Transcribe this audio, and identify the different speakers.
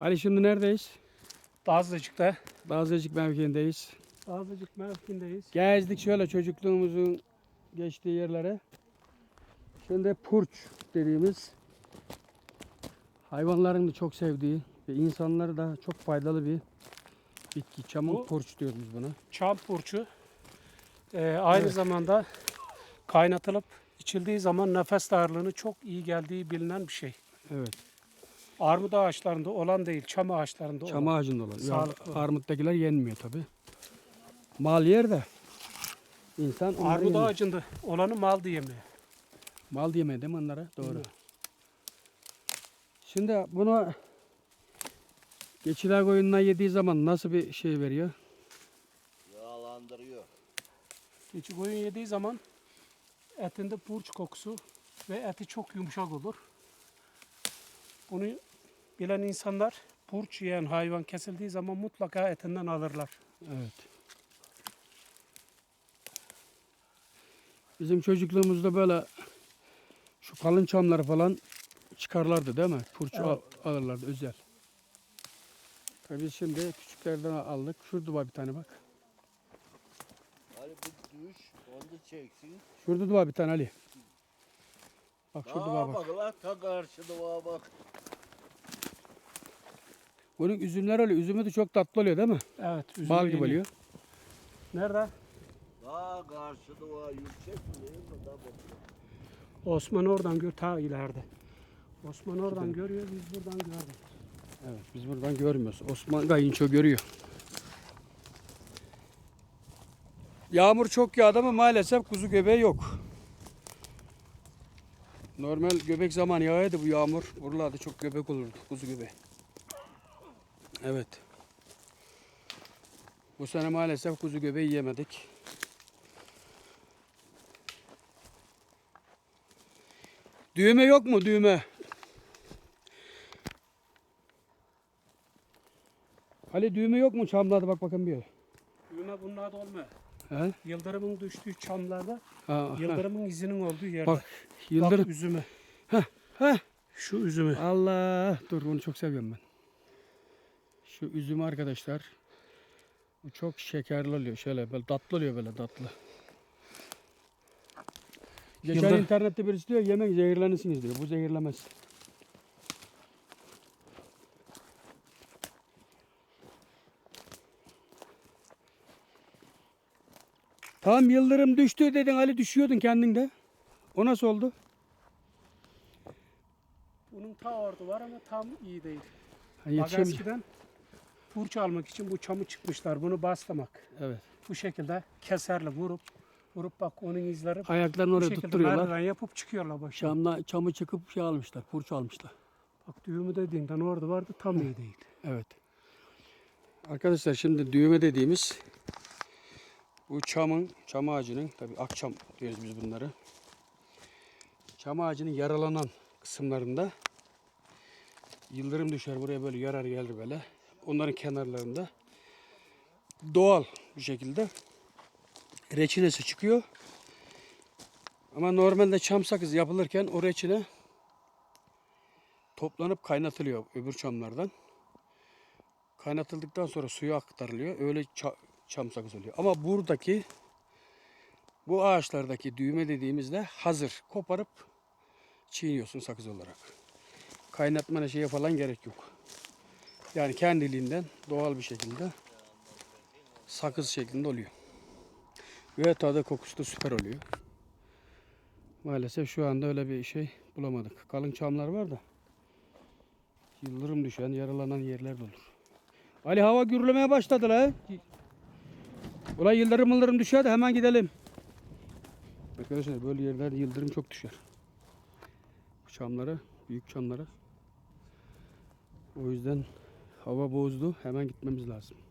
Speaker 1: Ali şimdi neredeyiz?
Speaker 2: Dağızlıcık'ta.
Speaker 1: Dağızcık mevkiindeyiz.
Speaker 2: Dağızlıcık mevkiindeyiz.
Speaker 1: Gezdik şöyle çocukluğumuzun geçtiği yerlere. Şimdi purç dediğimiz hayvanların da çok sevdiği ve insanlara da çok faydalı bir bitki. Çamın
Speaker 2: Bu-
Speaker 1: purç diyoruz biz buna.
Speaker 2: Çam purçu. Aynı
Speaker 1: Evet.
Speaker 2: zamanda kaynatılıp içildiği zaman nefes darlığını çok iyi geldiği bilinen bir şey.
Speaker 1: Evet.
Speaker 2: Armut ağaçlarında olan değil, çam ağaçlarında
Speaker 1: Çam
Speaker 2: olan.
Speaker 1: ağacında olan. Ya,
Speaker 2: Sağlıklı.
Speaker 1: armuttakiler yenmiyor tabi. Mal yer de insan onları
Speaker 2: Armut
Speaker 1: yemiyor.
Speaker 2: ağacında olanı mal diyemiyor.
Speaker 1: Mal yemeye değil mi onlara? Doğru.
Speaker 2: Hı.
Speaker 1: Şimdi bunu geçiler koyununa yediği zaman nasıl bir şey veriyor?
Speaker 3: Yağlandırıyor.
Speaker 2: Keçi koyun yediği zaman etinde purç kokusu ve eti çok yumuşak olur. Bunu bilen insanlar purç yiyen hayvan kesildiği zaman mutlaka etinden alırlar.
Speaker 1: Evet. Bizim çocukluğumuzda böyle şu kalın çamları falan çıkarlardı değil mi? Purç
Speaker 2: Evet.
Speaker 1: alırlardı özel. Tabii biz şimdi küçüklerden aldık. Şurada var bir tane bak.
Speaker 3: Hani bir düş, onu da çeksin.
Speaker 1: Şurada da var bir tane Ali. Bak şurada var bak.
Speaker 3: Bak lan, ta karşıda var bak.
Speaker 1: Bunun üzümleri oluyor. Üzümü de çok tatlı oluyor değil mi?
Speaker 2: Evet. üzümü
Speaker 1: Bal gibi
Speaker 2: yeniyor.
Speaker 1: oluyor.
Speaker 2: Nerede?
Speaker 3: Ta karşıda var, yüksek mi değil mi? Da bak.
Speaker 2: Osman oradan gör, ta ileride. Osman oradan görüyor, biz buradan gördük.
Speaker 1: Evet biz buradan görmüyoruz. Osman kayınço görüyor. Yağmur çok yağdı ama maalesef kuzu göbeği yok. Normal göbek zamanı yağıyordu bu yağmur. Buralarda çok göbek olurdu kuzu göbeği. Evet. Bu sene maalesef kuzu göbeği yemedik. Düğme yok mu düğme? Ali düğme yok mu çamlarda bak bakın bir.
Speaker 2: Düğme bunlarda olmuyor.
Speaker 1: He?
Speaker 2: Yıldırımın düştüğü çamlarda,
Speaker 1: Ha,
Speaker 2: yıldırımın izinin olduğu yerde.
Speaker 1: Bak yıldırım.
Speaker 2: Bak üzümü.
Speaker 1: Heh.
Speaker 2: Şu üzümü.
Speaker 1: Allah. Dur bunu çok seviyorum ben. Şu üzüm arkadaşlar. Bu çok şekerli oluyor. Şöyle böyle tatlı oluyor böyle tatlı. Geçen
Speaker 2: Yıldır-
Speaker 1: internette birisi diyor yemek zehirlenirsiniz diyor. Bu zehirlemez. Tam yıldırım düştü dedin Ali düşüyordun kendinde. O nasıl oldu?
Speaker 2: Bunun ta ordu var ama tam iyi değil.
Speaker 1: Ha,
Speaker 2: Bak
Speaker 1: yetişemeyeceğim.
Speaker 2: eskiden purç almak için bu çamı çıkmışlar. Bunu bastırmak.
Speaker 1: Evet.
Speaker 2: Bu şekilde keserle vurup bak onun izleri
Speaker 1: Ayaklarını
Speaker 2: bu
Speaker 1: oraya
Speaker 2: şekilde
Speaker 1: tutturuyorlar.
Speaker 2: merdiven yapıp çıkıyorlar başına.
Speaker 1: Çamı çıkıp şey almışlar. Purç almışlar.
Speaker 2: Bak düğümü dediğinden orada vardı tam iyi değil.
Speaker 1: Evet. Arkadaşlar şimdi düğme dediğimiz bu çam ağacının tabi akçam diyoruz biz bunları. Çam ağacının yaralanan kısımlarında yıldırım düşer buraya böyle yarar gelir böyle. Onların kenarlarında doğal bir şekilde reçinesi çıkıyor. Ama normalde çam sakızı yapılırken o reçine toplanıp kaynatılıyor öbür çamlardan. Kaynatıldıktan sonra suya aktarılıyor. Öyle çam sakızı oluyor. Ama buradaki bu ağaçlardaki düğme dediğimizde hazır. Koparıp çiğniyorsun sakız olarak. Kaynatmana şeye falan gerek yok. Yani kendiliğinden doğal bir şekilde sakız şeklinde oluyor. Ve tadı kokusu da süper oluyor. Maalesef şu anda öyle bir şey bulamadık. Kalın çamlar var da yıldırım düşen, yaralanan yerler de olur. Ali hava gürlemeye başladı la. Ulan yıldırım düşer de hemen gidelim. Arkadaşlar böyle yerlerde yıldırım çok düşer. Çamlara, büyük çamlara. O yüzden hava bozdu. Hemen gitmemiz lazım.